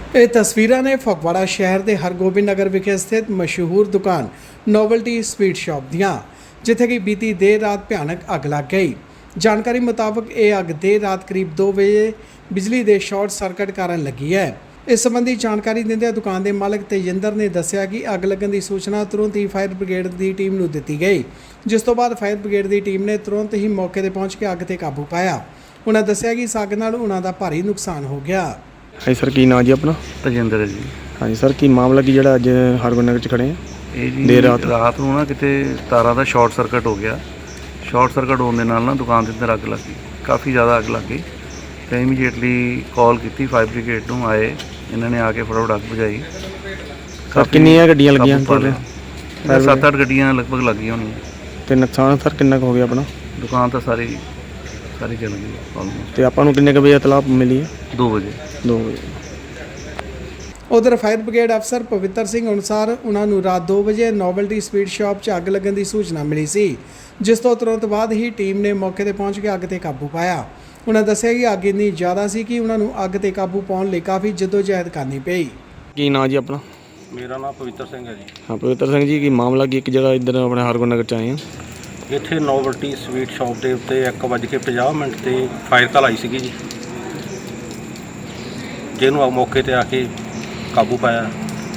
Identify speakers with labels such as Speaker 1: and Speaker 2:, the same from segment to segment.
Speaker 1: ਇਹ ਤਸਵੀਰਾਂ ਨੇ ਫਗਵਾੜਾ ਸ਼ਹਿਰ ਦੇ ਹਰਗੋਬਿੰਦ ਨਗਰ ਵਿਖੇ ਸਥਿਤ ਮਸ਼ਹੂਰ ਦੁਕਾਨ ਨੋਵਲਟੀ ਸਵੀਟ ਸ਼ਾਪ ਦੀਆਂ, ਜਿੱਥੇ ਕਿ ਬੀਤੀ ਦੇਰ ਰਾਤ ਭਿਆਨਕ ਅੱਗ ਲੱਗ ਗਈ। ਜਾਣਕਾਰੀ ਮੁਤਾਬਕ ਇਹ ਅੱਗ ਦੇਰ ਰਾਤ ਕਰੀਬ 2 ਵਜੇ ਬਿਜਲੀ ਦੇ ਸ਼ਾਰਟ ਸਰਕਟ ਕਾਰਨ ਲੱਗੀ ਹੈ। ਇਸ ਸੰਬੰਧੀ ਜਾਣਕਾਰੀ ਦਿੰਦਿਆਂ ਦੁਕਾਨ ਦੇ ਮਾਲਕ ਤੇਜਿੰਦਰ ਨੇ ਦੱਸਿਆ ਕਿ ਅੱਗ ਲੱਗਣ ਦੀ ਸੂਚਨਾ ਤੁਰੰਤ ਹੀ ਫਾਇਰ ਬ੍ਰਿਗੇਡ ਦੀ ਟੀਮ ਨੂੰ ਦਿੱਤੀ ਗਈ, ਜਿਸ ਤੋਂ ਬਾਅਦ ਫਾਇਰ ਬ੍ਰਿਗੇਡ ਦੀ ਟੀਮ ਨੇ ਤੁਰੰਤ ਹੀ ਮੌਕੇ ਤੇ ਪਹੁੰਚ ਕੇ ਅੱਗ ਤੇ ਕਾਬੂ ਪਾਇਆ। ਉਹਨਾਂ ਦੱਸਿਆ ਕਿ ਇਸ ਅੱਗ ਨਾਲ ਉਹਨਾਂ ਦਾ ਭਾਰੀ ਨੁਕਸਾਨ ਹੋ ਗਿਆ।
Speaker 2: ਹਾਂਜੀ ਸਰ, ਕੀ ਨਾਂ ਜੀ ਆਪਣਾ?
Speaker 3: ਤਜਿੰਦਰ ਜੀ।
Speaker 2: ਹਾਂਜੀ ਸਰ, ਕੀ ਮਾਮਲਾ ਕੀ ਜਿਹੜਾ ਅੱਜ ਹਰਗੋਬਿੰਦ ਨਗਰ 'ਚ ਖੜੇ ਆ?
Speaker 3: ਇਹ ਜੀ
Speaker 2: ਦੇਰ
Speaker 3: ਰਾਤ ਨੂੰ ਨਾ ਕਿਤੇ ਤਾਰਾਂ ਦਾ ਸ਼ਾਰਟ ਸਰਕਟ ਹੋ ਗਿਆ। ਸ਼ਾਰਟ ਸਰਕਟ ਹੋਣ ਦੇ ਨਾਲ ਨਾ ਦੁਕਾਨ ਦੇ ਅੰਦਰ ਅੱਗ ਲੱਗ ਗਈ, ਕਾਫੀ ਜ਼ਿਆਦਾ ਅੱਗ ਲੱਗ ਗਈ। ਤੇ ਇਮੀਡੀਏਟਲੀ ਕਾਲ ਕੀਤੀ ਫਾਇਰ ਬ੍ਰਿਗੇਡ ਨੂੰ, ਆਏ ਇਹਨਾਂ ਨੇ ਆ ਕੇ ਫਟਾਫਟ ਅੱਗ ਬੁਝਾਈ।
Speaker 2: ਕਿੰਨੀਆਂ ਗੱਡੀਆਂ ਲੱਗੀਆਂ?
Speaker 3: 7-8 ਗੱਡੀਆਂ ਲਗਭਗ ਲੱਗੀਆਂ ਹੋਣੀਆਂ।
Speaker 2: ਤੇ ਨੁਕਸਾਨ ਸਰ ਕਿੰਨਾ ਕੁ ਹੋ ਗਿਆ ਆਪਣਾ?
Speaker 3: ਦੁਕਾਨ ਤਾਂ ਸਾਰੀ ਜਲ ਗਈ ਆਲਮੋਸਟ।
Speaker 2: ਤੇ ਆਪਾਂ ਨੂੰ ਕਿੰਨੇ ਕੁ ਵਜੇ ਇਤਲਾਹ ਮਿਲੀ ਹੈ?
Speaker 3: 2 ਵਜੇ।
Speaker 1: ਉਧਰ ਫਾਇਰ ਬ੍ਰਿਗੇਡ ਅਫਸਰ ਪਵਿੱਤਰ ਸਿੰਘ ਅਨੁਸਾਰ ਉਹਨਾਂ ਨੂੰ ਰਾਤ 2 ਵਜੇ ਨੋਵਲਟੀ ਸਵੀਟ ਸ਼ਾਪ 'ਚ ਅੱਗ ਲੱਗਣ ਦੀ ਸੂਚਨਾ ਮਿਲੀ ਸੀ, ਜਿਸ ਤੋਂ ਤੁਰੰਤ ਬਾਅਦ ਹੀ ਟੀਮ ਨੇ ਮੌਕੇ ਤੇ ਪਹੁੰਚ ਕੇ ਅੱਗ ਤੇ ਕਾਬੂ ਪਾਇਆ। ਉਹਨਾਂ ਦੱਸਿਆ ਕਿ ਅੱਗ ਇੰਨੀ ਜ਼ਿਆਦਾ ਸੀ ਕਿ ਉਹਨਾਂ ਨੂੰ ਅੱਗ ਤੇ ਕਾਬੂ ਪਾਉਣ ਲਈ ਕਾਫੀ ਜਦੋਜਹਿਦ ਕਰਨੀ ਪਈ।
Speaker 2: ਕੀ ਨਾਂ ਜੀ ਆਪਣਾ?
Speaker 4: ਮੇਰਾ ਨਾਮ ਪਵਿੱਤਰ ਸਿੰਘ ਹੈ ਜੀ।
Speaker 2: ਹਾਂ ਪਵਿੱਤਰ ਸਿੰਘ ਜੀ, ਕੀ ਮਾਮਲਾ ਕੀ ਇੱਕ ਜਗ੍ਹਾ ਇੱਧਰ ਆਪਣੇ ਹਰਗੋਬਿੰਦ ਨਗਰ 'ਚ ਆਏ ਆ?
Speaker 4: ਇੱਥੇ ਨੋਵਲਟੀ ਸਵੀਟ ਸ਼ਾਪ ਦੇ ਉੱਤੇ 1:50 ਤੇ ਫਾਇਰ ਕਾਲ ਆਈ ਸੀਗੀ ਜੀ, ਜਿਹਨੂੰ ਮੌਕੇ ਤੇ ਆ ਕੇ ਕਾਬੂ ਪਾਇਆ।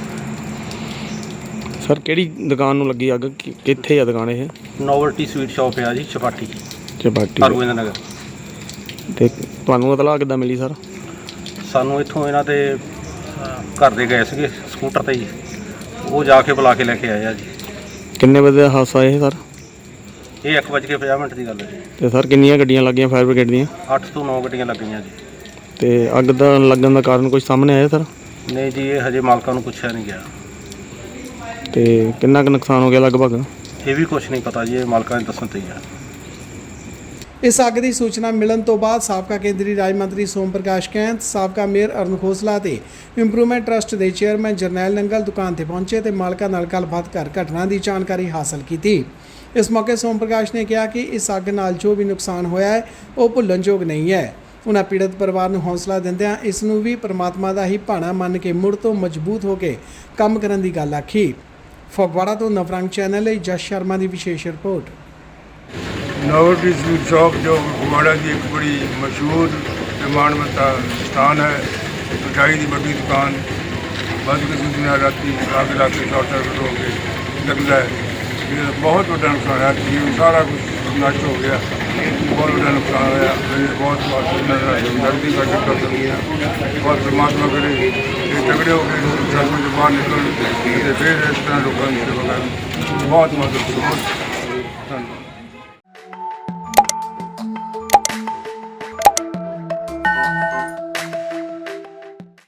Speaker 2: ਸਰ ਕਿਹੜੀ ਦੁਕਾਨ ਨੂੰ ਲੱਗੀ ਅੱਗ? ਕਿੱਥੇ ਆ ਦੁਕਾਨ ਇਹ?
Speaker 4: ਨੋਵਲਟੀ ਸਵੀਟ ਸ਼ਾਪ ਆ ਜੀ, ਚਪਾਟੀ ਹਰਗੋਬਿੰਦ ਨਗਰ।
Speaker 2: ਤੇ ਤੁਹਾਨੂੰ ਇਤਲਾਹ ਕਿੱਦਾਂ ਮਿਲੀ ਸਰ?
Speaker 4: ਸਾਨੂੰ ਇੱਥੋਂ ਇਹਨਾਂ ਦੇ ਘਰ ਦੇ ਗਏ ਸੀਗੇ ਸਕੂਟਰ ਤੇ ਜੀ, ਉਹ ਜਾ ਕੇ ਬੁਲਾ ਕੇ ਲੈ ਕੇ ਆਏ ਆ ਜੀ।
Speaker 2: ਕਿੰਨੇ ਵਜੇ ਦਾ ਹਾਦਸਾ ਇਹ ਸਰ?
Speaker 4: ਇਹ 1:50 ਦੀ ਗੱਲ ਹੈ ਜੀ।
Speaker 2: ਤੇ ਸਰ ਕਿੰਨੀਆਂ ਗੱਡੀਆਂ ਲੱਗੀਆਂ ਫਾਇਰ ਬ੍ਰਿਗੇਡ ਦੀਆਂ?
Speaker 4: 8 ਤੋਂ 9 ਗੱਡੀਆਂ ਲੱਗੀਆਂ ਜੀ।
Speaker 2: ਤੇ ਅੱਗ ਦਾ ਲੱਗਣ ਦਾ ਕਾਰਨ ਕੁਝ ਸਾਹਮਣੇ ਆਇਆ ਸਰ?
Speaker 4: ਨਹੀਂ ਜੀ, ਇਹ ਹਜੇ ਮਾਲਕਾਂ ਨੂੰ ਪੁੱਛਿਆ ਨਹੀਂ ਗਿਆ।
Speaker 2: ਤੇ ਕਿੰਨਾ ਕੁ ਨੁਕਸਾਨ ਹੋ ਗਿਆ ਲਗਭਗ?
Speaker 4: ਇਹ ਵੀ ਕੁਝ ਨਹੀਂ ਪਤਾ ਜੀ, ਇਹ ਮਾਲਕਾਂ ਨੇ ਦੱਸਣ ਤੇ ਹੀ ਆ।
Speaker 1: ਇਸ ਅੱਗ ਦੀ ਸੂਚਨਾ ਮਿਲਣ ਤੋਂ ਬਾਅਦ ਸਾਬਕਾ ਕੇਂਦਰੀ ਰਾਜ ਮੰਤਰੀ ਸੋਮ ਪ੍ਰਕਾਸ਼ ਕੈਂਥ, ਸਾਬਕਾ ਮੇਅਰ ਅਰੁਣ ਖੋਸਲਾ ਤੇ ਇੰਪਰੂਵਮੈਂਟ ਟਰਸਟ ਦੇ ਚੇਅਰਮੈਨ ਜਰਨੈਲ ਨੰਗਲ ਦੁਕਾਨ ਤੇ ਪਹੁੰਚੇ ਤੇ ਮਾਲਕਾਂ ਨਾਲ ਗੱਲਬਾਤ ਕਰ ਘਟਨਾ ਦੀ ਜਾਣਕਾਰੀ ਹਾਸਲ ਕੀਤੀ। ਇਸ ਮੌਕੇ ਸੋਮ ਪ੍ਰਕਾਸ਼ ਨੇ ਕਿਹਾ ਕਿ ਇਸ ਅੱਗ ਨਾਲ ਜੋ ਵੀ ਨੁਕਸਾਨ ਹੋਇਆ ਹੈ ਉਹ ਭੁੱਲਣਯੋਗ ਨਹੀਂ ਹੈ। ਉਹਨਾਂ ਪੀੜਤ ਪਰਿਵਾਰ ਨੂੰ ਹੌਸਲਾ ਦਿੰਦਿਆਂ ਇਸ ਨੂੰ ਵੀ ਪਰਮਾਤਮਾ ਦਾ ਹੀ ਭਾਣਾ ਮੰਨ ਕੇ ਮੁੜ ਤੋਂ ਮਜ਼ਬੂਤ ਹੋ ਕੇ ਕੰਮ ਕਰਨ ਦੀ ਗੱਲ ਆਖੀ। ਫਗਵਾੜਾ ਤੋਂ ਨਵਰੰਗ ਚੈਨਲ ਲਈ ਜਸ ਸ਼ਰਮਾ ਦੀ ਵਿਸ਼ੇਸ਼ ਰਿਪੋर्ट।
Speaker 5: नोवल्टी स्वीट शॉप जो फगवाड़ा की एक बड़ी मशहूर ते माणमत्ता स्थान है, मिठाई की बड़ी दुकान। बद किस्मती राती आग लग के शॉर्ट सर्किट हो के लगता है, ये बहुत बड़ा नुकसान है। जीवन सारा कुछ नष्ट हो गया, बहुत बड़ा नुकसान होया। बहुत जल्दी का चक्कर चल गया और परमात्मा करे ये तगड़े हो गए सर्कल से बाहर निकल फिर इस तरह लोगों की सेवा कर बहुत धन्यवाद।